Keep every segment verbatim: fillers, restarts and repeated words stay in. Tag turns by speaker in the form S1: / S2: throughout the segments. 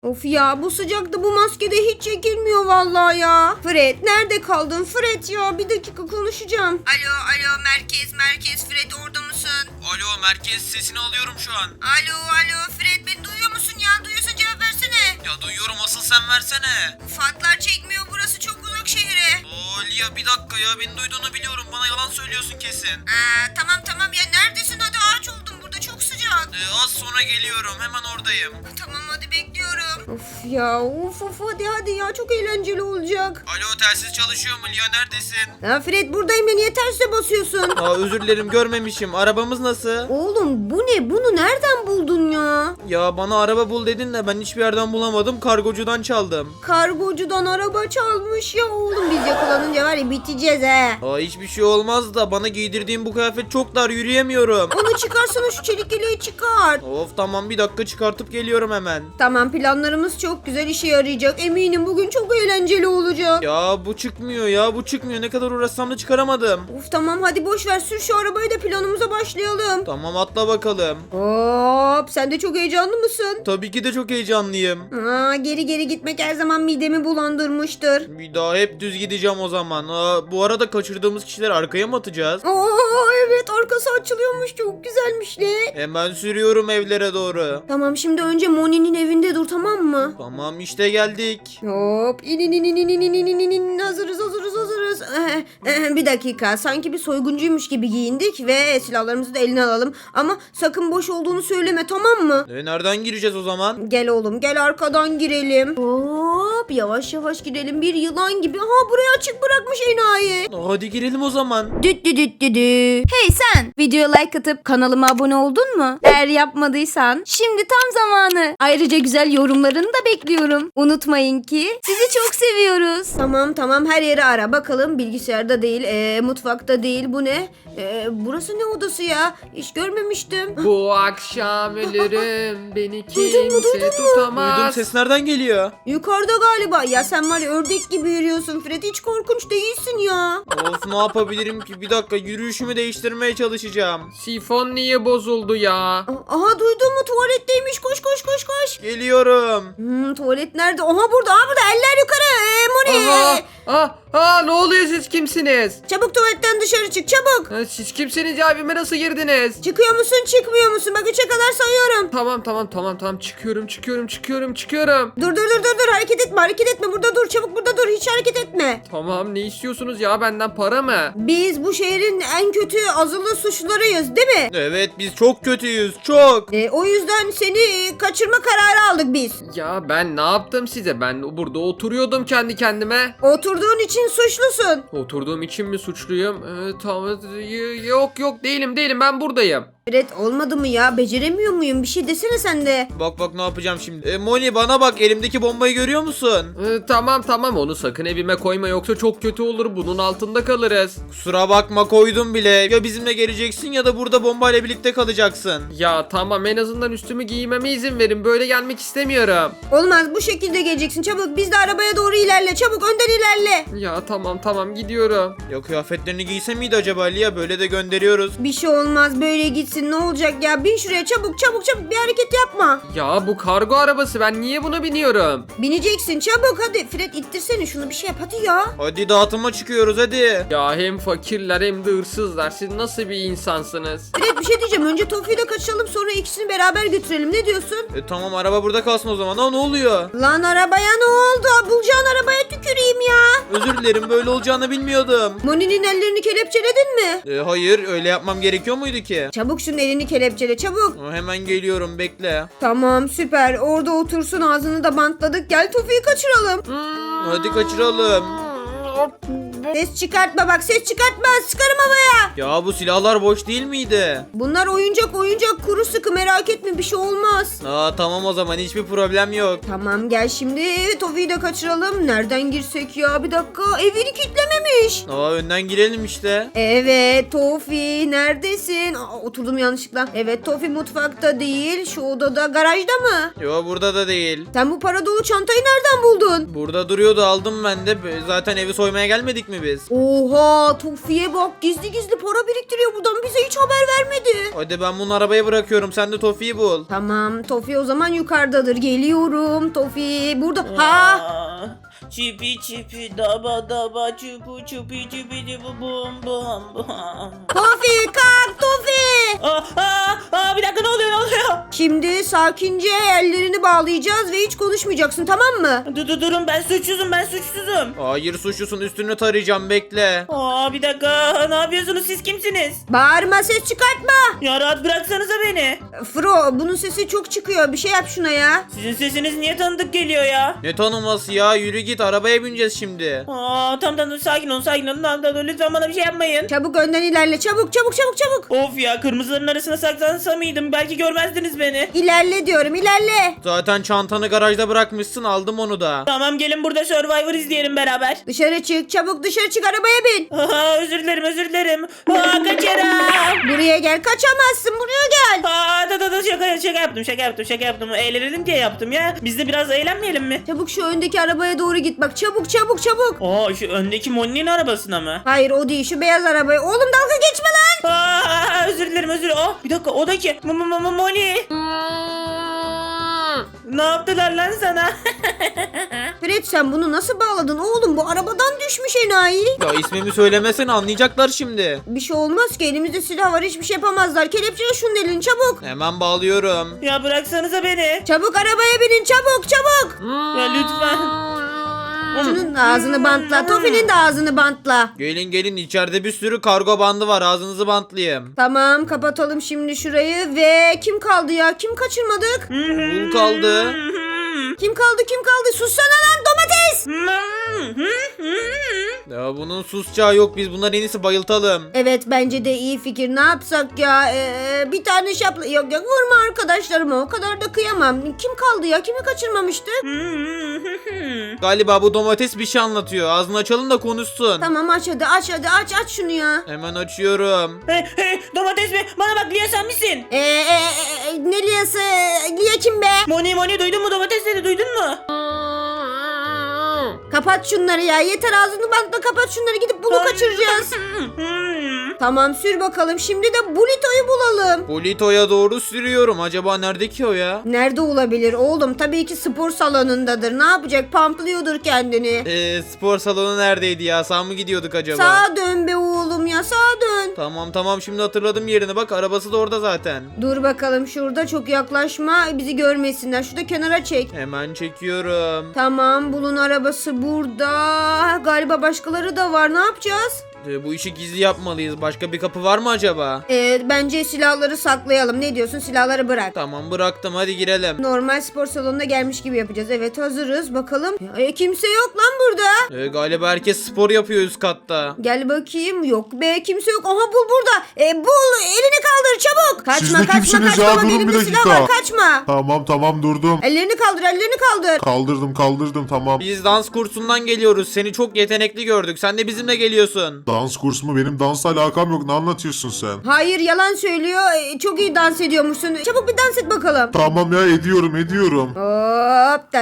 S1: Of ya, bu sıcakta bu maskede hiç çekilmiyor vallahi ya. Fred, nerede kaldın Fred ya? Bir dakika konuşacağım. Alo alo merkez merkez, Fred orada mısın?
S2: Alo merkez, sesini alıyorum şu an.
S1: Alo alo Fred, beni duyuyor musun ya? Duyuyorsan cevap versene.
S2: Ya duyuyorum, asıl sen versene.
S1: Fatlar çekmiyor, burası çok uzak şehre.
S2: Oo Lia, bir dakika ya, beni duyduğunu biliyorum, bana yalan söylüyorsun kesin.
S1: Ee, tamam tamam ya, neredesin? Hadi, ağaç oldum burada, çok sıcak.
S2: Ee, az sonra geliyorum, hemen oradayım.
S1: Tamam hadi, bekliyorum. Of ya, of of, hadi hadi ya, çok eğlenceli olacak.
S2: Alo, telsiz çalışıyor mu Lia, neredesin?
S1: Ya Fred, buradayım ya, niye terse basıyorsun?
S2: Aa, özür dilerim, görmemişim. Arabamız nasıl?
S1: Oğlum bu ne? Bunu nereden buldun ya?
S2: Ya bana araba bul dedin de ben hiçbir yerden bulamadım, kargocudan çaldım.
S1: Kargocudan araba çalmış ya oğlum, biz yakalanınca var ya biteceğiz he.
S2: Aa, hiçbir şey olmaz da bana giydirdiğin bu kıyafet çok dar, yürüyemiyorum.
S1: Onu çıkarsana, şu çelik yeleği çıkart.
S2: Of tamam, bir dakika çıkartıp geliyorum hemen.
S1: Tamam, planlarımız çok güzel işe yarayacak. Eminim bugün çok eğlenceli olacak.
S2: Ya bu çıkmıyor ya, bu çıkmıyor, ne kadar uğraşsam da çıkaramadım.
S1: Of tamam, hadi boş ver, sür şu arabayı da planımıza başlayalım.
S2: Tamam, atla bakalım.
S1: Hop, sen de çok heyecanlı mısın?
S2: Tabii ki de çok heyecanlıyım.
S1: Aa, geri geri gitmek her zaman midemi bulandırmıştır.
S2: Bir daha hep düz gideceğim o zaman. Aa, bu arada kaçırdığımız kişileri arkaya mı atacağız?
S1: Aa, evet, arkası açılıyormuş, çok güzelmiş ne?
S2: Hemen sürüyorum evlere doğru.
S1: Tamam, şimdi önce Moni'nin evinde dur, tamam mı?
S2: Tamam, işte geldik.
S1: Hop, in in in in in in in in in in, hazırız hazırız hazırız. Eh, eh, bir dakika, sanki bir soyguncuymuş gibi giyindik ve silahlarımızı da eline alalım. Ama sakın boş olduğunu söyleme, tamam mı?
S2: E, nereden gireceğiz o zaman?
S1: Gel oğlum, gel arkadan girelim. Hop, yavaş yavaş girelim, bir yılan gibi. Ha, burayı açık bırakmış enayi.
S2: Hadi girelim o zaman.
S1: Düt düt düt düt düt. Hey sen, videoya like atıp kanalıma abone oldun mu? Eğer yapmadıysan şimdi tam zamanı. Ayrıca güzel yorumlarını da bekliyorum. Unutmayın ki sizi çok seviyoruz. Tamam tamam, her yeri ara bakalım. Bilgisayarda değil, ee, mutfakta değil. Bu ne? Ee, burası ne odası ya? Hiç görmemiştim.
S3: Bu akşam ölürüm, beni
S1: Duydun mu,
S3: kimse
S1: duydun mu?
S3: tutamaz.
S2: Duydum, ses nereden geliyor?
S1: Yukarıda galiba. Ya sen var ya, ördek gibi yürüyorsun Fred. Hiç korkunç değilsin ya.
S2: Of, ne yapabilirim ki? Bir dakika, yürüyüşümü değiştirmeye çalışacağım.
S3: Sifon niye bozuldu ya?
S1: Aha, duydun mu? Tuvaletteymiş. Koş koş koş koş.
S2: Geliyorum.
S1: Hmm, tuvalet nerede? Aha, burada. Aha, burada. Eller yukarı. Ee, Moni.
S3: Aha, ah, ah, ne oluyor, siz kimsiniz?
S1: Çabuk tuvaletten dışarı çık. Çabuk.
S3: Ha, siz kimsiniz ya, evime nasıl girdiniz?
S1: Çıkıyor musun, çıkmıyor musun? Bak, üçe kadar sayıyorum.
S3: Tamam tamam tamam tamam, çıkıyorum çıkıyorum çıkıyorum çıkıyorum.
S1: Dur dur dur dur dur. Hareket etme, hareket etme. Burada dur. Çabuk burada dur. Hiç hareket etme.
S3: Tamam, ne istiyorsunuz ya, benden para mı?
S1: Biz bu şehrin en kötü azılı suçlularıyız, değil mi?
S2: Evet, biz çok kötüyüz, çok.
S1: Ee, o yüzden seni kaçırma kararı aldık biz.
S3: Ya ben ne yaptım size? Ben burada oturuyordum kendi kendime.
S1: Oturduğun için suçlusun.
S3: Oturduğum için mi suçluyum? Ee, tamam, y- yok yok, değilim değilim, ben buradayım.
S1: Fred, olmadı mı ya? Beceremiyor muyum? Bir şey desene sen de.
S2: Bak bak, ne yapacağım şimdi. E, Moni, bana bak, elimdeki bombayı görüyor musun?
S3: Ee, tamam tamam, onu sakın evime koyma, yoksa çok kötü olur, bunun altında kalırız.
S2: Kusura bakma, koydum bile. Ya bizimle geleceksin ya da burada bombayla birlikte kalacaksın.
S3: Ya tamam, en azından üstümü giymeme izin verin, böyle gelmek istemiyorum.
S1: Olmaz, bu şekilde geleceksin. Çabuk, biz de arabaya doğru ilerle. Çabuk, önden ilerle.
S3: Ya tamam tamam, gidiyorum.
S2: Ya kıyafetlerini giyse miydi acaba Lia? Böyle de gönderiyoruz.
S1: Bir şey olmaz, böyle gitsin, ne olacak ya? Bin şuraya, çabuk çabuk çabuk, bir hareket yapma.
S3: Ya bu kargo arabası, ben niye buna biniyorum?
S1: Bineceksin, çabuk hadi. Fred, ittirsene şunu, bir şey yap hadi ya.
S2: Hadi dağıtıma çıkıyoruz, hadi.
S3: Ya hem fakirler hem de hırsızlar, siz nasıl bir insansınız?
S1: Fred, bir şey diyeceğim, önce Tofi'yi de kaçıralım, sonra ikisini beraber götürelim, ne diyorsun?
S2: E, tamam, araba burada kalsın o zaman. Aa, ne oluyor?
S1: Lan, arabaya ne oldu? Bulacağın arabaya tüküreyim ya.
S2: Özür dilerim, böyle olacağını bilmiyordum.
S1: Moni'nin ellerini kelepçeledin mi?
S2: E, hayır, öyle yapmam gerekiyor muydu ki?
S1: Çabuk şunun elini kelepçele, çabuk.
S2: Aa, hemen geliyorum, bekle.
S1: Tamam, süper, orada otursun, ağzını da bantladık. Gel Tofi'yi kaçıralım.
S2: Hadi kaçıralım.
S1: Ses çıkartma bak, ses çıkartma, sıkarım havaya.
S2: Ya bu silahlar boş değil miydi?
S1: Bunlar oyuncak oyuncak, kuru sıkı, merak etme, bir şey olmaz.
S2: Aa, tamam o zaman, hiçbir problem yok.
S1: Tamam, gel şimdi Tofi'yi de kaçıralım. Nereden girsek ya, bir dakika, evini kilitlememiş.
S2: Aa, önden girelim işte.
S1: Evet Tofi, neredesin? Aa, oturdum yanlışlıkla. Evet, Tofi mutfakta değil, şu odada, garajda mı?
S2: Yo, burada da değil.
S1: Sen bu para dolu çantayı nereden buldun?
S2: Burada duruyordu, aldım ben de. Zaten evi soymaya gelmedik mi mi biz?
S1: Oha Tofi'ye bak, gizli gizli para biriktiriyor buradan, bize hiç haber vermedi.
S2: Hadi ben bunu arabaya bırakıyorum. Sen de Tofi'yi bul.
S1: Tamam Tofi o zaman yukarıdadır, geliyorum Tofi burada. Ha
S4: Aa, Çipi çipi daba daba çupu çupi çupi çupu bum bum bum.
S1: Tofi kalk Tofi.
S4: Aa, aa, aa, bir dakika, ne oluyor ne oluyor?
S1: Şimdi sakince ellerini bağlayacağız ve hiç konuşmayacaksın, tamam mı?
S4: Dur dur durun, ben suçsuzum ben suçsuzum.
S2: Hayır suçlusun, üstünü tarayacağım, bekle.
S4: Aa, bir dakika, ne yapıyorsunuz, siz kimsiniz?
S1: Bağırma, ses çıkartma.
S4: Ya rahat bıraksanıza beni.
S1: Fro bunun sesi çok çıkıyor, bir şey yap şuna ya.
S4: Sizin sesiniz niye tanıdık geliyor ya?
S2: Ne tanıması ya, yürü git, arabaya bineceğiz şimdi.
S4: Aa, tamam tamam, sakin olun sakin olun, tamam, tamam, lütfen bana bir şey yapmayın.
S1: Çabuk önden ilerle, çabuk çabuk çabuk çabuk.
S4: Of ya, kırmızıların arasına saklansam mıydım, belki görmezdiniz beni.
S1: İlerle diyorum, ilerle.
S2: Zaten çantanı garajda bırakmışsın, aldım onu da.
S4: Tamam, gelin burada Survivor izleyelim beraber.
S1: Dışarı çık, çabuk dışarı çık, arabaya bin.
S4: Aa, özür dilerim özür dilerim. Aa, kaçarım.
S1: Buraya gel, kaçamazsın, buraya gel.
S4: Aa, da da da şaka şaka yaptım şaka yaptım şaka yaptım. Eğlenelim diye yaptım ya. Biz de biraz eğlenmeyelim mi?
S1: Çabuk şu öndeki arabaya doğru git bak, çabuk çabuk çabuk.
S4: Aa, şu öndeki Moni'nin arabasına mı?
S1: Hayır o değil, şu beyaz arabaya. Oğlum dalga geçme lan.
S4: Aa, özür dilerim özür dilerim. Aa, bir dakika, o da ki. M- M- M- Moni. Ne yaptılar lan sana?
S1: Fred sen bunu nasıl bağladın oğlum, bu arabadan düşmüş enayi.
S2: Ya ismimi söylemesene, anlayacaklar şimdi.
S1: Bir şey olmaz ki, elimizde silah var, hiçbir şey yapamazlar. Kelepçele şunun elini çabuk.
S2: Hemen bağlıyorum.
S4: Ya bıraksanıza beni.
S1: Çabuk arabaya binin, çabuk çabuk.
S4: Ya lütfen.
S1: Şunun ağzını bantla, Tofi'nin de ağzını bantla.
S2: Gelin gelin, içeride bir sürü kargo bandı var, ağzınızı bantlayayım.
S1: Tamam kapatalım şimdi şurayı ve kim kaldı ya, kim kaçırmadık?
S2: Bul kaldı.
S1: Kim kaldı kim kaldı, sussana lan domates.
S2: Ya bunun susacağı yok, biz bunları en iyisi bayıltalım.
S1: Evet bence de iyi fikir, ne yapsak ya, ee, bir tane şapla, yok yok vurma arkadaşlarıma, o kadar da kıyamam. Kim kaldı ya, kimi kaçırmamıştık?
S2: Galiba bu domates bir şey anlatıyor, ağzını açalım da konuşsun.
S1: Tamam aç hadi, aç hadi, aç aç şunu ya.
S2: Hemen açıyorum.
S4: Hey hey, domates mi? Bana bak, Lia sen misin?
S1: Ee, e, e, ne liyası, liye kim be?
S4: Moni Moni, duydun mu, domates dedi, duydun mu?
S1: Kapat şunları ya, yeter, ağzını bantla kapat şunları, gidip bunu kaçıracağız. Tamam sür bakalım, şimdi de Bulito'yu bulalım.
S2: Polito'ya doğru sürüyorum, acaba nerede ki o ya?
S1: Nerede olabilir oğlum, tabii ki spor salonundadır, ne yapacak, pamplıyordur kendini.
S2: Eee spor salonu neredeydi ya, sağ mı gidiyorduk acaba?
S1: Sağa dön be oğlum ya, sağa dön.
S2: Tamam tamam, şimdi hatırladım yerini, bak arabası da orada zaten.
S1: Dur bakalım şurada, çok yaklaşma, bizi görmesinler, şurada kenara çek.
S2: Hemen çekiyorum.
S1: Tamam bulun arabası burada. Galiba başkaları da var, ne yapacağız?
S2: Ee, bu işi gizli yapmalıyız, başka bir kapı var mı acaba?
S1: Ee, bence silahları saklayalım, ne diyorsun, silahları bırak.
S2: Tamam bıraktım, hadi girelim.
S1: Normal spor salonuna gelmiş gibi yapacağız. Evet hazırız bakalım. E, kimse yok lan burada.
S2: Ee, galiba herkes spor yapıyor üst katta.
S1: Gel bakayım. Yok be, kimse yok. Aha bul burada. E, bul, elini kaldır çabuk. Kaçma
S5: Siz de
S1: kaçma
S5: kimsiniz
S1: kaçma.
S5: ya?
S1: Bak,
S5: Durun bir
S1: elimde silah
S5: dakika.
S1: var, kaçma.
S5: Tamam tamam durdum.
S1: Ellerini kaldır, ellerini kaldır.
S5: Kaldırdım kaldırdım tamam.
S2: Biz dans kursundan geliyoruz, seni çok yetenekli gördük, sen de bizimle geliyorsun.
S5: Dans kursu mu? Benim dansla alakam yok. Ne anlatıyorsun sen?
S1: Hayır yalan söylüyor. E, çok iyi dans ediyormuşsun. Çabuk bir dans et bakalım.
S5: Tamam ya ediyorum ediyorum.
S1: Hop.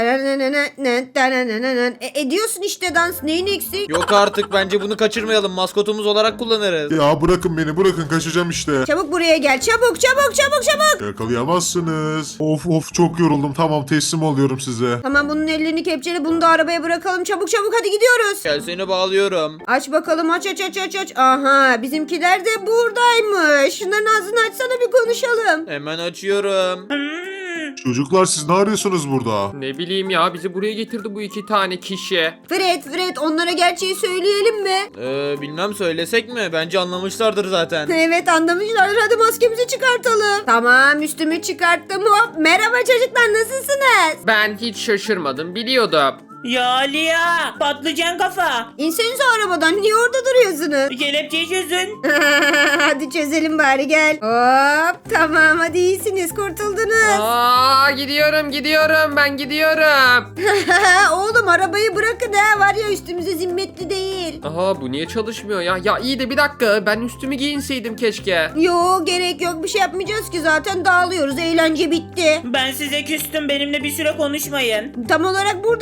S1: E, ediyorsun işte dans. Neyin eksik?
S2: Yok artık, bence bunu kaçırmayalım, maskotumuz olarak kullanırız.
S5: Ya bırakın beni bırakın kaçacağım işte.
S1: Çabuk buraya gel. Çabuk çabuk çabuk çabuk.
S5: Yakalayamazsınız. Of of çok yoruldum. Tamam teslim oluyorum size.
S1: Tamam bunun ellerini kepçeli, bunu da arabaya bırakalım. Çabuk çabuk hadi gidiyoruz.
S2: Gel seni bağlıyorum.
S1: Aç bakalım, aç aç aç aç aç. Aha bizimkiler de buradaymış. Şunların ağzını açsana, bir konuşalım.
S2: Hemen açıyorum.
S5: Çocuklar siz ne arıyorsunuz burada?
S3: Ne bileyim ya, bizi buraya getirdi bu iki tane kişi.
S1: Fred Fred onlara gerçeği söyleyelim mi?
S2: Ee, bilmem, söylesek mi? Bence anlamışlardır zaten.
S1: Evet anlamışlar, hadi maskemizi çıkartalım. Tamam üstümü çıkarttım, hop. Merhaba çocuklar, nasılsınız?
S3: Ben hiç şaşırmadım, biliyordum.
S4: Ya Lia, patlıcan kafa.
S1: İnsenize arabadan, niye orada duruyorsunuz?
S4: Kelepçeyi çözün.
S1: Hadi çözelim bari, gel. Hop tamam, hadi iyisiniz, kurtuldunuz.
S3: Aa, gidiyorum gidiyorum ben gidiyorum.
S1: Oğlum arabayı bırakın ha, var ya üstümüze zimmetli değil.
S3: Aha, bu niye çalışmıyor ya? Ya iyi de bir dakika, ben üstümü giyinseydim keşke.
S1: Yo gerek yok, bir şey yapmayacağız ki, zaten dağılıyoruz, eğlence bitti.
S4: Ben size küstüm, benimle bir süre konuşmayın.
S1: Tam olarak burada mı küseceğiz?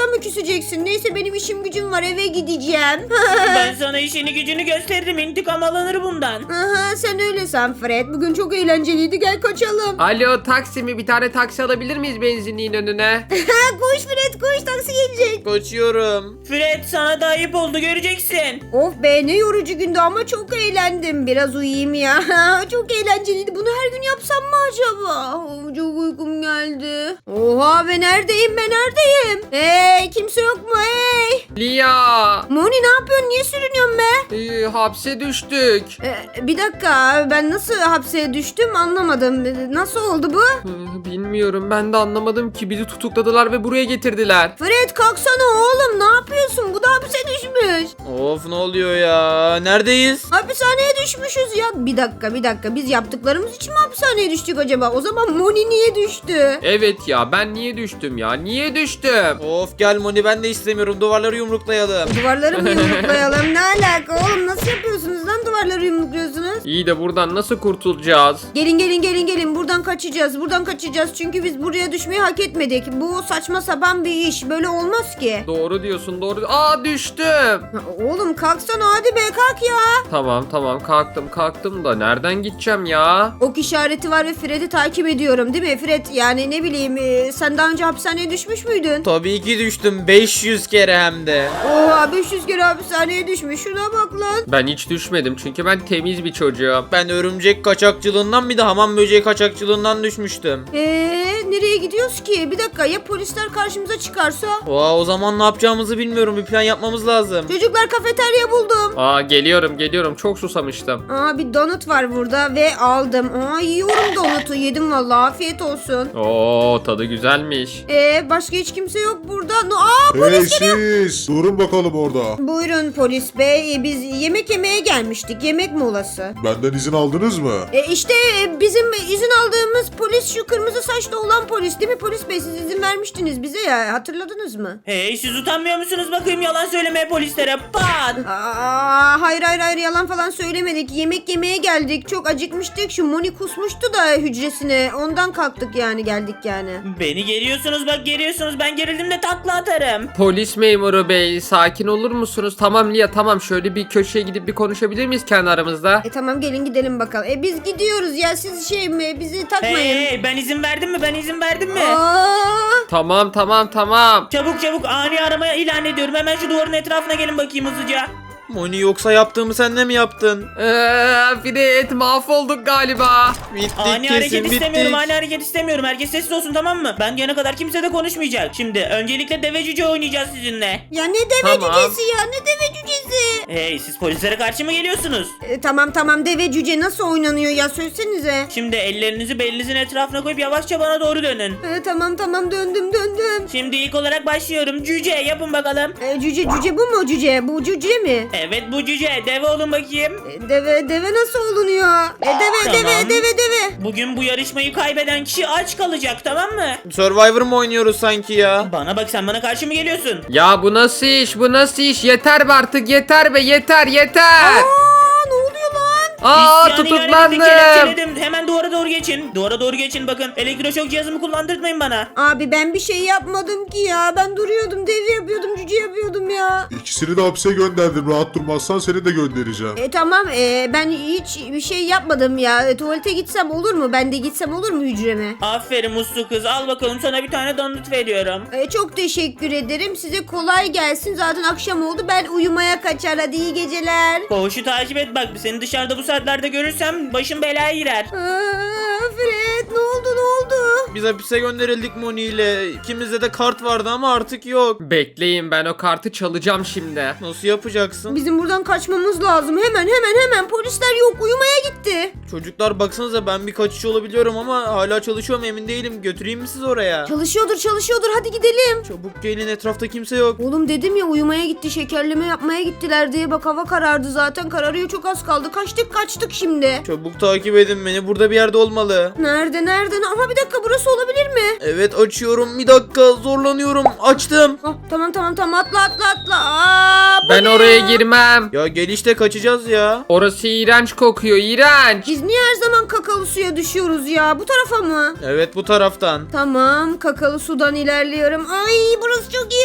S1: göreceksin. Neyse benim işim gücüm var, eve gideceğim.
S4: Ben sana işini gücünü gösteririm. İntikam alınır bundan.
S1: Aha, sen öyle san Fred. Bugün çok eğlenceliydi, gel kaçalım.
S3: Alo taksi mi? Bir tane taksi alabilir miyiz benzinliğin önüne?
S1: Ha, koş Fred koş, taksi gelecek.
S2: Kaçıyorum.
S4: Fred sana da ayıp oldu göreceksin.
S1: Of be, ne yorucu gündü ama çok eğlendim. Biraz uyuyayım ya. Çok eğlenceliydi. Bunu her gün yapsam mı acaba? Oh, çok uykum geldi. Oha be, neredeyim ben, neredeyim? Hey, kimse yok mu hey?
S3: Lia.
S1: Moni ne yapıyorsun? Niye sürünüyorsun be?
S3: Ee, hapse düştük.
S1: Ee, bir dakika, ben nasıl hapse düştüm anlamadım. Nasıl oldu bu?
S3: Ee, Bilmiyorum, ben de anlamadım ki, bizi tutukladılar ve buraya getirdiler.
S1: Fred kalksana oğlum, ne yapıyorsun? Bu da hapse düşmüş.
S2: Of, ne oluyor ya? Neredeyiz?
S1: Hapishaneye düşmüşüz ya. Bir dakika bir dakika, biz yaptıklarımız için mi hapishaneye düştük acaba? O zaman Moni niye düştü?
S3: Evet ya, ben niye düştüm ya? Niye düştüm?
S2: Of gel Moni, ben de istemiyorum. Duvarları yumruklayalım.
S1: Duvarları mı yumruklayalım? Ne alaka oğlum, nasıl yapıyorsunuz lan, duvarları yumrukluyorsunuz?
S3: İyi de buradan nasıl kurtulacağız?
S1: Gelin gelin gelin gelin, buradan kaçacağız, buradan kaçacağız çünkü biz buraya düşmeyi hak etmedik. Bu saçma sapan bir iş, böyle olmaz ki.
S3: Doğru diyorsun, doğru. Aa, düştüm.
S1: Ha, oğlum kalksana hadi be, kalk ya.
S3: Tamam tamam, kalktım kalktım da nereden gideceğim ya?
S1: Ok işareti var ve Fred'i takip ediyorum değil mi Fred? Yani ne bileyim, e, sen daha önce hapishaneye düşmüş müydün?
S2: Tabii ki düştüm. beş yüz kere hem de.
S1: Oha, beş yüz kere hapishaneye düşmüş, şuna bak lan.
S3: Ben hiç düşmedim çünkü ben temiz bir çocuğum.
S2: Ben örümcek kaçakçılığından, bir de hamam böceği kaçakçılığından düşmüştüm.
S1: Eee nereye gidiyoruz ki? Bir dakika, ya polisler karşımıza çıkarsa?
S2: Oha, o zaman ne yapacağımızı bilmiyorum. Bir plan yapmamız lazım.
S1: Çocuklar, kafeterya buldum.
S3: Aa, geliyorum geliyorum, çok susamıştım.
S1: Aa, bir donut var burada ve aldım. Aa, yiyorum donutu, yedim vallahi, afiyet olsun.
S3: Oo, tadı güzelmiş.
S1: Ee, başka hiç kimse yok burada. No, aa,
S5: Hey
S1: polis geliyor.
S5: siz durun bakalım orada.
S1: Buyurun polis bey, Ee, biz yemek yemeye gelmiştik, yemek molası.
S5: Benden izin aldınız mı?
S1: E işte e, bizim izin aldığımız polis şu kırmızı saçlı olan polis değil mi polis bey? Siz izin vermiştiniz bize ya, hatırladınız mı?
S4: Hey, siz utanmıyor musunuz bakayım yalan söylemeye polislere? Pat!
S1: Aa, hayır hayır hayır, yalan falan söylemedik. Yemek yemeye geldik. Çok acıkmıştık. Şu Moni kusmuştu da hücresine. Ondan kalktık yani, geldik yani.
S4: Beni geriyorsunuz bak, geriyorsunuz. Ben gerildim de takla atarım.
S3: Polis memuru bey, sakin olur musunuz? Tamam Lia, tamam, şöyle bir köşeye gidip bir konuşabilir miyiz kendi aramızda?
S1: E tamam, gelin gidelim bakalım. E biz gidiyoruz ya, siz şey mi, bizi
S4: Hey,
S1: takmayın.
S4: hey, ben izin verdim mi? Ben izin verdim mi?
S1: Aa,
S3: Tamam tamam tamam.
S4: Çabuk çabuk ani arama ilan ediyorum. Hemen şu duvarın etrafına gelin bakayım hızlıca.
S2: Moni, yoksa yaptığımı sen de mi yaptın?
S3: Eee Fred, mahvolduk galiba.
S2: Bittik
S4: Ani
S2: kesin,
S4: hareket
S2: bittik.
S4: istemiyorum, ani hareket istemiyorum. Herkes sessiz olsun, tamam mı? Ben gelene kadar kimse de konuşmayacak. Şimdi öncelikle deve cüce oynayacağız sizinle.
S1: ya ne deve
S3: Tamam.
S1: cücesi ya, ne deve cücesi?
S4: Hey, siz polislere karşı mı geliyorsunuz?
S1: E, tamam tamam, deve cüce nasıl oynanıyor ya, söylesenize.
S4: Şimdi ellerinizi belinizin etrafına koyup yavaşça bana doğru dönün.
S1: E, tamam tamam, döndüm döndüm.
S4: Şimdi ilk olarak başlıyorum. Cüce yapın bakalım.
S1: E, cüce cüce bu mu cüce? Bu cüce mi?
S4: Evet, bu cüce. Deve olun bakayım.
S1: E, deve deve nasıl olunuyor? E, deve
S4: Tamam.
S1: deve deve deve.
S4: Bugün bu yarışmayı kaybeden kişi aç kalacak, tamam mı?
S2: Survivor mu oynuyoruz sanki ya?
S4: Bana bak, sen bana karşı mı geliyorsun?
S3: Ya bu nasıl iş, bu nasıl iş? Yeter be artık, yeter be, yeter yeter.
S1: Aa, ne oluyor lan?
S3: Aa,
S4: İsyanı ilan
S3: tutuklandım.
S4: ettim, kelepçeledim. Hemen duvara doğru geçin. Duvara doğru geçin, bakın. Elektroşok cihazımı kullandırtmayın bana.
S1: Abi ben bir şey yapmadım ki ya. Ben duruyordum, deve yapıyordum, cüce yapıyordum ya.
S5: İkisini de hapse gönderdim. Rahat durmazsan seni de göndereceğim.
S1: E tamam, e, ben hiç bir şey yapmadım ya. E, tuvalete gitsem olur mu? Ben de gitsem olur mu hücreme?
S4: Aferin uslu kız. Al bakalım, sana bir tane donut veriyorum.
S1: E, çok teşekkür ederim. Size kolay gelsin. Zaten akşam oldu. Ben uyumaya kaçar. Hadi iyi geceler.
S4: Koğuşu takip et bak. Seni dışarıda bu saatlerde görürsem başım belaya girer.
S1: Aa, Fred ne oldu ne oldu?
S2: Biz hapise gönderildik Moni ile. İkimizde de kart vardı ama artık yok.
S3: Bekleyin, ben o kartı çalacağım şimdi.
S2: Nasıl yapacaksın?
S1: Bizim buradan kaçmamız lazım. Hemen hemen hemen. Polisler yok. Uyumaya gitti.
S2: Çocuklar baksanıza, ben bir kaçış olabiliyorum ama hala çalışıyor mu emin değilim. Götüreyim mi sizi oraya?
S1: Çalışıyordur çalışıyordur. Hadi gidelim.
S2: Çabuk gelin, etrafta kimse yok.
S1: Oğlum dedim ya, uyumaya gitti, şekerleme yapmaya gittiler diye. Bak hava karardı zaten, kararıyor, çok az kaldı. Kaçtık kaçtık şimdi.
S2: Çabuk takip edin beni, burada bir yerde olmalı.
S1: Nerede nerede? Ama bir dakika, burası olabilir mi?
S2: Evet, açıyorum, bir dakika, zorlanıyorum, açtım.
S1: Ah, tamam tamam tamam, atla atla atla. Aa, bu
S3: Ben
S1: ne
S3: oraya
S1: ya?
S3: girmem.
S2: Ya gel işte, kaçacağız ya.
S3: Orası iğrenç kokuyor, iğrenç.
S1: Biz niye her zaman kakalı suya düşüyoruz ya? Bu tarafa mı?
S2: Evet, bu taraftan.
S1: Tamam, kakalı sudan ilerliyorum. Ay, burası çok iğrenç.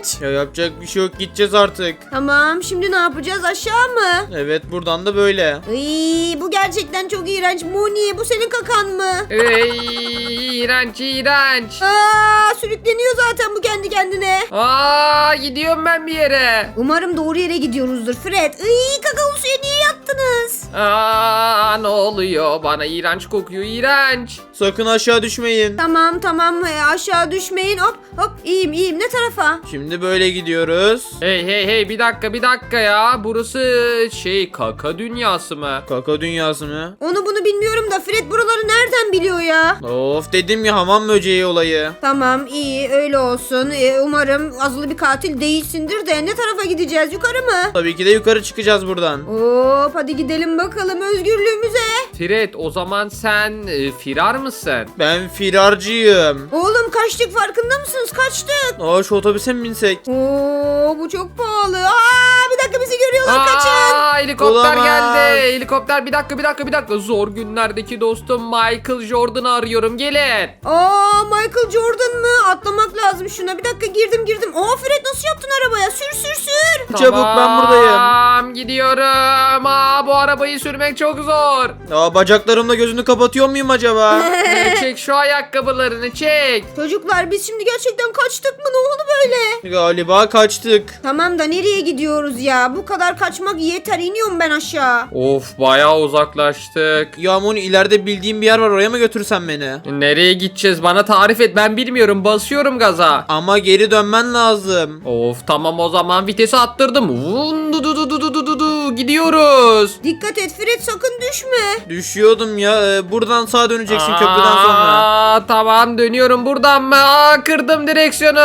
S1: iğrenç.
S2: Ya yapacak bir şey yok, gideceğiz artık.
S1: Tamam, şimdi ne yapacağız, aşağı mı?
S2: Evet, buradan da böyle.
S1: Iy, bu gerçekten çok iğrenç. Moni, bu senin kakan mı?
S3: Ey, iğrenç iğrenç.
S1: Aa, sürükleniyor zaten bu kendi kendine.
S3: Aa, gidiyorum ben bir yere.
S1: Umarım doğru yere gidiyoruzdur Fred. Iy, kakaolu suya niye yattınız?
S3: Aa, ne oluyor? Bana iğrenç kokuyor, iğrenç.
S2: Sakın aşağı düşmeyin.
S1: Tamam tamam, e, aşağı düşmeyin. Hop hop, iyiyim iyiyim. Ne tarafa?
S2: Şimdi böyle gidiyoruz.
S3: Hey hey hey, bir dakika bir dakika ya. Burası şey, kaka dünyası mı?
S2: Kaka dünyası mı?
S1: Onu bunu bilmiyorum da Fred buraları nereden biliyor ya?
S2: Of, dedim ya, hamam böceği olayı.
S1: Tamam, iyi, öyle olsun. E, umarım azılı bir katil değilsindir de ne tarafa gideceğiz? Yukarı mı?
S2: Tabii ki de yukarı çıkacağız buradan.
S1: Hop, hadi gidelim bakalım özgürlüğümüze.
S3: Fred, o zaman sen e, firar mısın?
S2: Ben firarcıyım.
S1: Oğlum, kaçtık, farkında mısınız? Kaçtık.
S2: Aa, şu otobüse mi binsek?
S1: Oo, bu çok pahalı. Aa, bir dakika, bizi görüyorlar, kaçın.
S3: Aa, helikopter
S2: Olamaz.
S3: geldi. Helikopter, bir dakika bir dakika bir dakika. Zor günlerdeki dostum Michael Jordan'ı arıyorum. Gelin.
S1: Aa, Michael Jordan mı? Atlamak lazım şuna. Bir dakika, girdim girdim. Aa, Fred, nasıl yaptın arabaya? Sür sür sür.
S2: Çabuk, ben buradayım.
S3: Tamam, gidiyorum. Aa, bu arabayı sürmek çok zor.
S2: Aa, bacaklarımla gözünü kapatıyor muyum acaba?
S3: Ee, çek şu ayakkabılarını, çek.
S1: Çocuklar, biz şimdi gerçekten kaçtık mı? Ne oldu böyle?
S2: Galiba kaçtık.
S1: Tamam da nereye gidiyoruz ya? Bu kadar kaçmak yeter. İniyorum ben aşağı.
S3: Of, bayağı uzaklaştık.
S2: Ya Moni, ileride bildiğim bir yer var, oraya mı götürsen beni?
S3: Nereye gideceğiz? Bana tarif et, ben bilmiyorum. Basıyorum gaza.
S2: Ama geri dönmen lazım.
S3: Of, tamam, o zaman vitesi attırdım. Vun, du, du, du, du, du, du, du. Gidiyoruz.
S1: Dikkat et Fred, sakın düşme.
S2: Düşüyordum ya. Ee, buradan sağa döneceksin köprüden sonra.
S3: Aa, tamam, dönüyorum buradan mı? Aa, kırdım direksiyonu.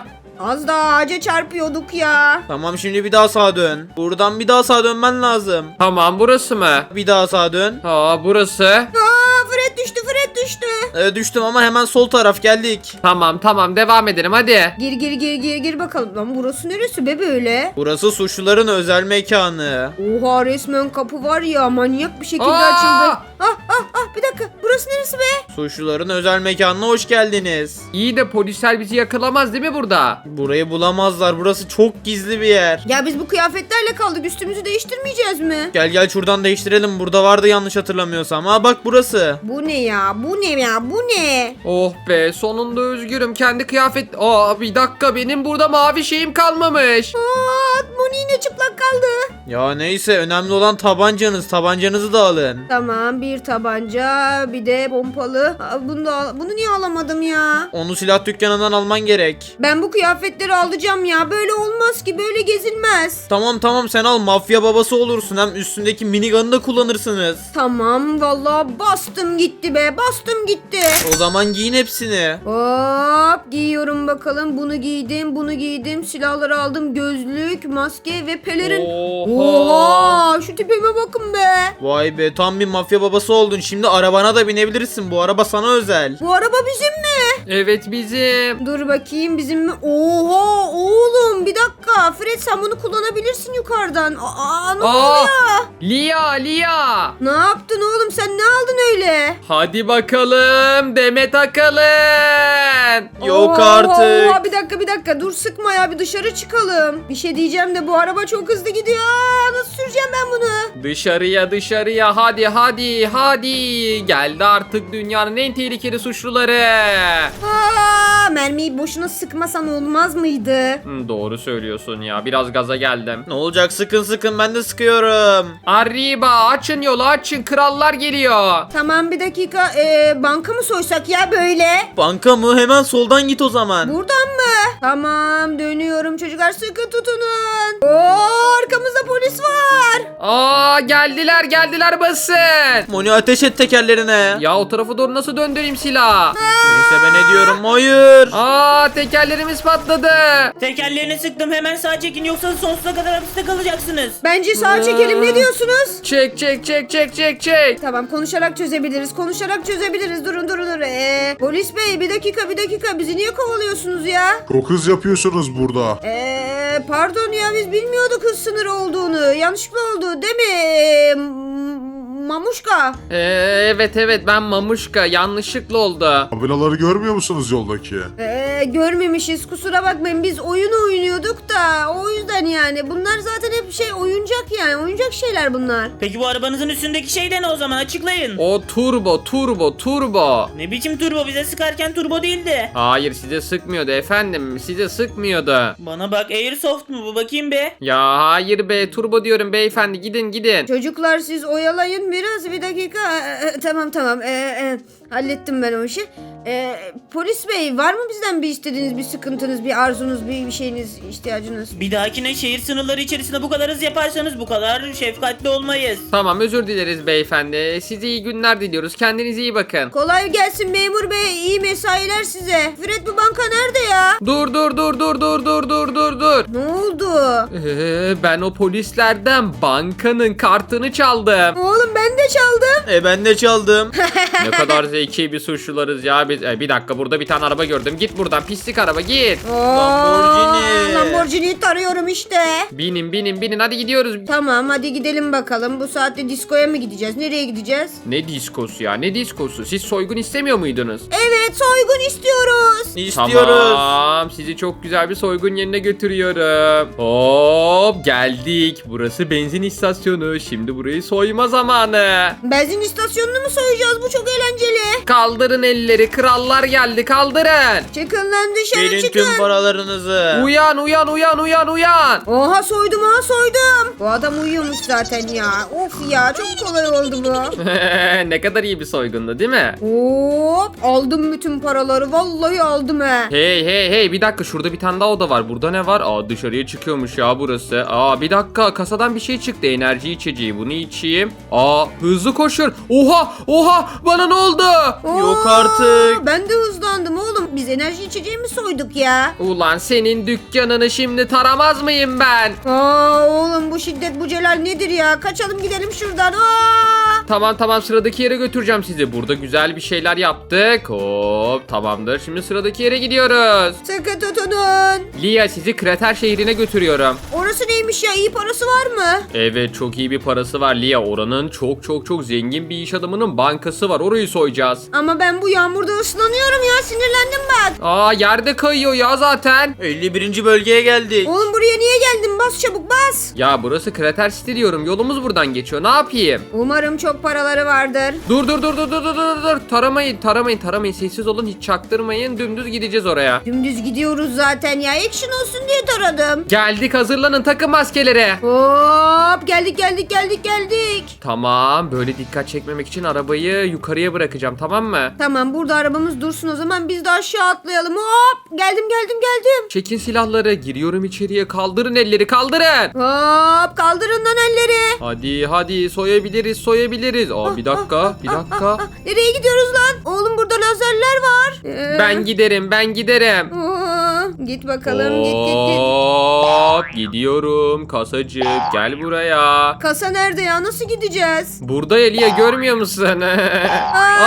S1: Az daha ağaca çarpıyorduk ya.
S2: Tamam, şimdi bir daha sağa dön. Buradan bir daha sağa dönmen lazım.
S3: Tamam, burası mı?
S2: Bir daha sağa dön.
S3: Aa, burası.
S1: Aa, Fred düştü, Fred düştü.
S2: Ee, düştüm ama hemen sol taraf, geldik.
S3: Tamam tamam, devam edelim hadi.
S1: Gir gir gir gir gir bakalım. Lan burası neresi be böyle?
S2: Burası suçluların özel mekanı.
S1: Oha, resmen kapı var ya, manyak bir şekilde
S3: Aa!
S1: açıldı. Ah ah ah, bir dakika, burası neresi be?
S2: Suçluların özel mekanına hoş geldiniz.
S3: İyi de polisler bizi yakalamaz değil mi burada?
S2: Burayı bulamazlar. Burası çok gizli bir yer.
S1: Ya biz bu kıyafetlerle kaldık, üstümüzü değiştirmeyeceğiz mi?
S2: Gel gel şuradan değiştirelim. Burada vardı yanlış hatırlamıyorsam. Ha bak, burası.
S1: Bu ne ya, bu ne ya, bu ne?
S3: Oh be, sonunda özgürüm. Kendi kıyafet... Aa, bir dakika, benim burada mavi şeyim kalmamış.
S1: Aa, Moni yine çıplak kaldı.
S2: Ya neyse, önemli olan tabancanız. Tabancanızı da alın.
S1: Tamam, bir tabanca, bir de pompalı. Aa, bunu da al- bunu niye alamadım ya?
S2: Onu silah dükkanından alman gerek.
S1: Ben bu kıyafetleri alacağım ya. Böyle olmaz ki, böyle gezilmez.
S2: Tamam tamam, sen al, mafya babası olursun. Hem üstündeki minigun'ı da kullanırsınız.
S1: Tamam, vallahi bastım gitti be, bastım gitti.
S2: O zaman giyin hepsini.
S1: Hop, giyiyorum bakalım. Bunu giydim, bunu giydim. Silahları aldım, gözlük, maske ve pelerin.
S3: Oha.
S1: Oha, şu tipime bakın be.
S2: Vay be, tam bir mafya babası oldun. Şimdi arabana da binebilirsin. Bu araba sana özel.
S1: Bu araba bizim mi?
S3: Evet, bizim.
S1: Dur bakayım, bizim mi? Oha oğlum, bir dakika. Fred, sen bunu kullanabilirsin yukarıdan. Aa, ne
S3: Aa,
S1: oluyor?
S3: Lia Lia.
S1: Ne yaptın oğlum, sen ne aldın öyle?
S3: Hadi bakalım, Demet Akalın.
S2: Yok
S1: Oha,
S2: artık.
S1: oha, bir dakika bir dakika, dur sıkma ya, bir dışarı çıkalım. Bir şey diyeceğim de bu araba çok hızlı gidiyor. Aa, nasıl süreceğim ben bunu?
S3: Dışarıya dışarıya, hadi hadi hadi. Geldi artık dünyanın en tehlikeli suçluları.
S1: Aa, mermiyi boşuna sıkmasan olmaz mıydı?
S3: Hmm, doğru söylüyorsun ya, biraz gaza geldim.
S2: Ne olacak, sıkın sıkın, ben de sıkıyorum.
S3: Arriba, açın yolu açın, krallar geliyor.
S1: Tamam, bir dakika, ee, banka mı soysak ya böyle?
S2: Banka mı? Hemen soldan git o zaman.
S1: Buradan mı? Tamam, dönüyorum çocuklar, sıkı tutunun. Oo, arkamızda polis var.
S3: Aa, geldiler geldiler, basın.
S2: Moni, ateş et tekerlerine.
S3: Ya o tarafa doğru nasıl döndüreyim silah?
S2: Neyse, ben ne diyorum? Hayır.
S3: Aa, tekerlerimiz patladı.
S4: Tekerlerini sıktım, hemen sağa çekin yoksa sonsuza kadar hapiste kalacaksınız.
S1: Bence sağa çekelim, ne diyorsunuz?
S3: Çek çek çek çek çek çek.
S1: Tamam, konuşarak çözebiliriz. Konuşarak çözebiliriz. Durun durun durun. Ee, polis bey, bir dakika bir dakika. Bizi niye kovalıyorsunuz ya?
S5: Çok hız yapıyorsunuz burada.
S1: Ee, pardon ya, biz bilmiyorduk hız sınırı olduğunu. Yanlışlıkla oldu değil mi? Ee, Mamuşka.
S3: Ee, evet evet ben Mamuşka, yanlışlıkla oldu.
S5: Tabelaları görmüyor musunuz yoldaki?
S1: Ee, görmemişiz, kusura bakmayın, biz oyun oynuyorduk da o yüzden yani. Bunlar zaten hep şey, oyuncak yani, oyuncak şeyler bunlar.
S4: Peki bu arabanızın üstündeki şey de ne o zaman, açıklayın.
S3: O turbo turbo turbo.
S4: Ne biçim turbo, bize sıkarken turbo değildi.
S3: Hayır size sıkmıyordu efendim, size sıkmıyordu.
S4: Bana bak, Airsoft mu bu, bakayım be.
S3: Ya hayır be, turbo diyorum beyefendi, gidin gidin.
S1: Çocuklar siz oyalayın biraz, bir dakika. Ee, e, tamam tamam, ee, e, hallettim ben o işi. Ee, polis bey, var mı bizden bir istediğiniz, bir sıkıntınız, bir arzunuz, bir, bir şeyiniz, ihtiyacınız?
S4: Bir dahakine şehir sınırları içerisinde bu kadar hız yaparsanız bu kadar şefkatli olmayız.
S3: Tamam özür dileriz beyefendi, size iyi günler diliyoruz, kendinize iyi bakın.
S1: Kolay gelsin memur bey, iyi mesailer size. Fred, bu banka nerede ya?
S3: Dur dur dur dur dur dur dur dur dur.
S1: Ne oldu?
S3: Ee, ben o polislerden bankanın kartını çaldım.
S1: Oğlum ben de çaldım.
S2: E ben de çaldım.
S3: Ne kadar zeki bir suçlularız ya biz. E, bir dakika, burada bir tane araba gördüm. Git buradan pislik araba, git.
S1: Oo,
S2: Lamborghini.
S1: Lamborghini'yi tarıyorum işte.
S3: Binin binin binin, hadi gidiyoruz.
S1: Tamam, hadi gidelim bakalım. Bu saatte diskoya mı gideceğiz? Nereye gideceğiz?
S3: Ne diskosu ya, ne diskosu? Siz soygun istemiyor muydunuz?
S1: Evet, soygun istiyoruz.
S2: İstiyoruz.
S3: Tamam, sizi çok güzel bir soygun yerine götürüyorum. Hop, geldik. Burası benzin istasyonu. Şimdi burayı soyma zamanı.
S1: Benzin istasyonunu mu soyacağız? Bu çok eğlenceli.
S3: Kaldırın elleri, krallar geldi, kaldırın.
S1: Çıkın lan dışarı,
S2: Verin
S1: çıkın.
S2: tüm paralarınızı.
S3: Uyan uyan uyan uyan uyan.
S1: Oha, soydum ha, soydum. Bu adam uyuyormuş zaten ya. Of ya, çok kolay oldu bu.
S3: Ne kadar iyi bir soygundu değil mi?
S1: Hop, aldım bütün paraları. Vallahi aldım he.
S3: Hey hey hey, bir dakika, şurada bir tane daha oda var. Burada ne var? Aa, dışarıya çıkıyormuş ya burası. Aa, bir dakika, kasadan bir şey çıktı. Enerji içeceği, bunu içeyim. Aa, hızlı koşun. Oha oha, bana ne oldu?
S2: Yok
S1: Oo,
S2: artık.
S1: Ben de hızlandım oğlum. Biz enerji içeceği mi soyduk ya?
S3: Ulan senin dükkanını şimdi taramaz mıyım ben?
S1: Aa, oğlum bu şiddet, bu celal nedir ya? Kaçalım gidelim şuradan. Aa!
S3: Tamam tamam, sıradaki yere götüreceğim sizi. Burada güzel bir şeyler yaptık. Hop, tamamdır. Şimdi sıradaki yere gidiyoruz.
S1: Sıkı tutunun.
S3: Lia, sizi krater şehrine götürüyorum.
S1: Orası neymiş ya? İyi parası var mı?
S3: Evet, çok iyi bir parası var Lia. Oranın çok çok çok zengin bir iş adamının bankası var. Orayı soyacağız.
S1: Ama ben bu yağmurda ıslanıyorum ya. Sinirlendim bak.
S3: Aa, yerde kayıyor ya zaten.
S2: elli birinci bölgeye geldik.
S1: Oğlum buraya niye geldin? Bas çabuk, bas.
S3: Ya burası Krater City diyorum. Yolumuz buradan geçiyor. Ne yapayım?
S1: Umarım çok paraları vardır.
S3: Dur dur dur dur dur dur dur dur. Taramayın taramayın taramayın. Sessiz olun, hiç çaktırmayın. Dümdüz gideceğiz oraya.
S1: Dümdüz gidiyoruz zaten ya. Action olsun diye taradım.
S3: Geldik, hazırlanın, takın maskeleri.
S1: Hop, geldik geldik geldik geldik.
S3: Tamam, böyle dikkat çekmemek için arabayı yukarıya bırakacağım, tamam mı?
S1: Tamam, burada arabamız dursun o zaman, biz de aşağı atlayalım. Hop, geldim geldim geldim.
S3: Çekin silahları, giriyorum içeriye, kaldırın elleri, kaldırın.
S1: Hop, kaldırın lan elleri.
S3: Hadi hadi, soyabiliriz soyabiliriz. Aa, bir dakika bir dakika.
S1: Nereye gidiyoruz lan? Oğlum burada lazerler var. Ee,
S3: Ben giderim ben giderim.
S1: Aa, git bakalım, git git git.
S3: Hop, gidiyorum kasacık, gel buraya.
S1: Kasa nerede ya? Nasıl gideceğiz?
S3: Burada Elia, görmüyor musun?
S1: Aa!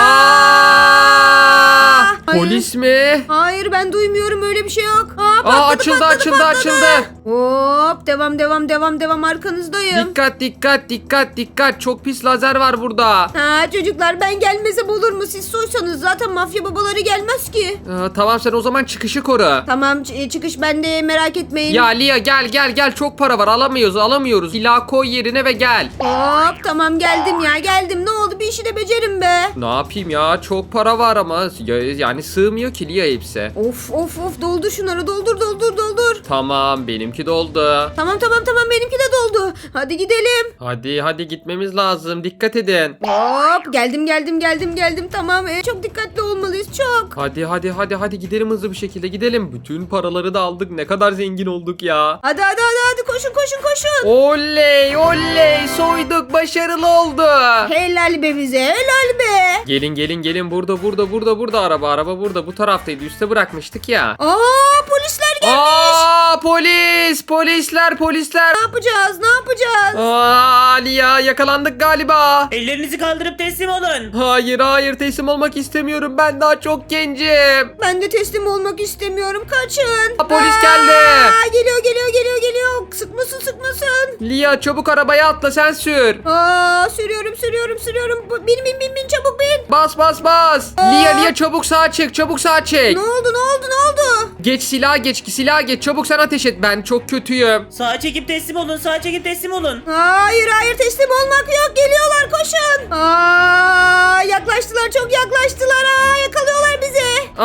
S3: Aa!
S1: Hayır.
S3: Polis mi?
S1: Hayır, ben duymuyorum, öyle bir şey yok. Aa, patladı,
S3: Aa, açıldı
S1: patladı,
S3: açıldı
S1: patladı.
S3: açıldı.
S1: Hop, devam devam devam devam, arkanızdayım.
S3: Dikkat dikkat dikkat dikkat, çok pis lazer var burada.
S1: Ha çocuklar, ben gelmesem olur mu? Siz soysanız zaten mafya babaları gelmez ki.
S3: Aa, tamam, sen o zaman çıkışı koru.
S1: Tamam, ç- çıkış bende, merak etmeyin.
S3: Ya Lia, gel gel gel, çok para var, alamıyoruz alamıyoruz. Silah koy yerine ve gel.
S1: Hop, tamam geldim ya, geldim. Ne oldu, bir işi de becerim be.
S3: Ne yapayım ya, çok para var ama ya- yani sığmıyor ki Lia hepsi.
S1: Of of of, doldur şunları, doldur doldur doldur.
S3: Tamam, benimki doldu.
S1: Tamam tamam tamam, benimki de doldu. Hadi gidelim.
S3: Hadi hadi, gitmemiz lazım, dikkat edin.
S1: Hop, geldim geldim geldim geldim, tamam. Ee, çok dikkatli olmalıyız, çok.
S3: Hadi hadi hadi hadi, gidelim hızlı bir şekilde gidelim. Bütün paraları da aldık, ne kadar zengin olduk ya.
S1: Hadi hadi hadi hadi, koşun koşun koşun.
S3: Oley oley, soyduk, başarılı oldu.
S1: Helal be bize, helal be.
S3: Gelin gelin gelin, burada burada burada burada araba araba burada, bu taraftaydı, üste bırakmıştık ya.
S1: Aa, polisler gelmiş.
S3: Aa, polis polisler polisler.
S1: Ne yapacağız, ne yapacağız?
S3: Aa, Ali ya, yakalandık galiba.
S4: Ellerinizi kaldırıp teslim olun.
S3: Hayır hayır, teslim olmak istemiyorum, ben daha çok gencim.
S1: Ben de teslim olmak istemiyorum, kaçın.
S3: Aa, polis geldi.
S1: Aa, geliyor geliyor geliyor geliyor. Sıkmasın sıkmasın.
S3: Lia çabuk arabaya atla sen sür.
S1: Aa, sürüyorum sürüyorum sürüyorum. Bu- Bin bin bin bin çabuk bin.
S3: Bas bas bas. Lia Lia çabuk sağa çek çabuk sağa çek.
S1: Ne oldu ne oldu ne oldu?
S3: Geç silah geç silah geç çabuk sen ateş et ben çok kötüyüm.
S4: Sağa çekip teslim olun. Sağa çekip teslim olun.
S1: Hayır hayır teslim olmak yok. Geliyorlar koşun. Aa, yaklaştılar çok yaklaştılar. Aa, yakalıyorlar bizi.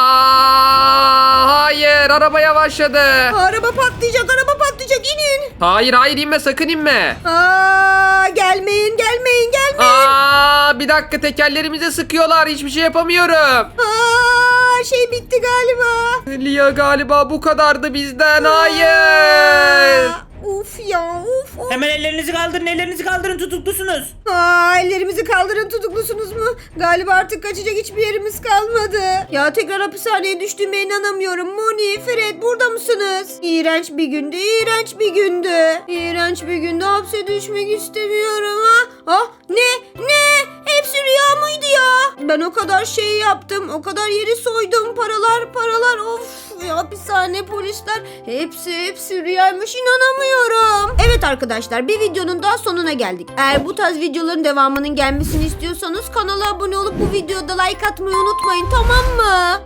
S3: Aa, hayır araba yavaşladı.
S1: Araba patlayacak araba patlayacak inin.
S3: Hayır hayır inme sakın inme.
S1: Aa, gelmeyin gelmeyin gelmeyin.
S3: Aa, bir dakika tekerlerimize sıkıyorlar hiçbir şey yapamıyorum.
S1: Aa, şey bitti galiba.
S3: Lia galiba bu kadardı bizden hayır.
S1: Aa, uf ya uf uf.
S4: Hemen ellerinizi kaldırın. Ellerinizi kaldırın. Tutuklusunuz.
S1: Aa, ellerimizi kaldırın tutuklusunuz mu? Galiba artık kaçacak hiçbir yerimiz kalmadı. Ya tekrar hapishaneye düştüğüme inanamıyorum. Moni, Fred burada mısınız? İğrenç bir gündü, iğrenç bir gündü. İğrenç bir günde hapse düşmek istemiyorum ha. Ah ne ne? Hepsi rüya mıydı ya? Ben o kadar şey yaptım, o kadar yeri soydum. Paralar paralar of. Ya, hapishane polisler hepsi hepsi rüyaymış inanamıyorum. Evet arkadaşlar bir videonun daha sonuna geldik. Eğer bu tarz videoların devamının gelmesini istiyorsanız kanala abone olup bu videoda like atmayı unutmayın tamam mı?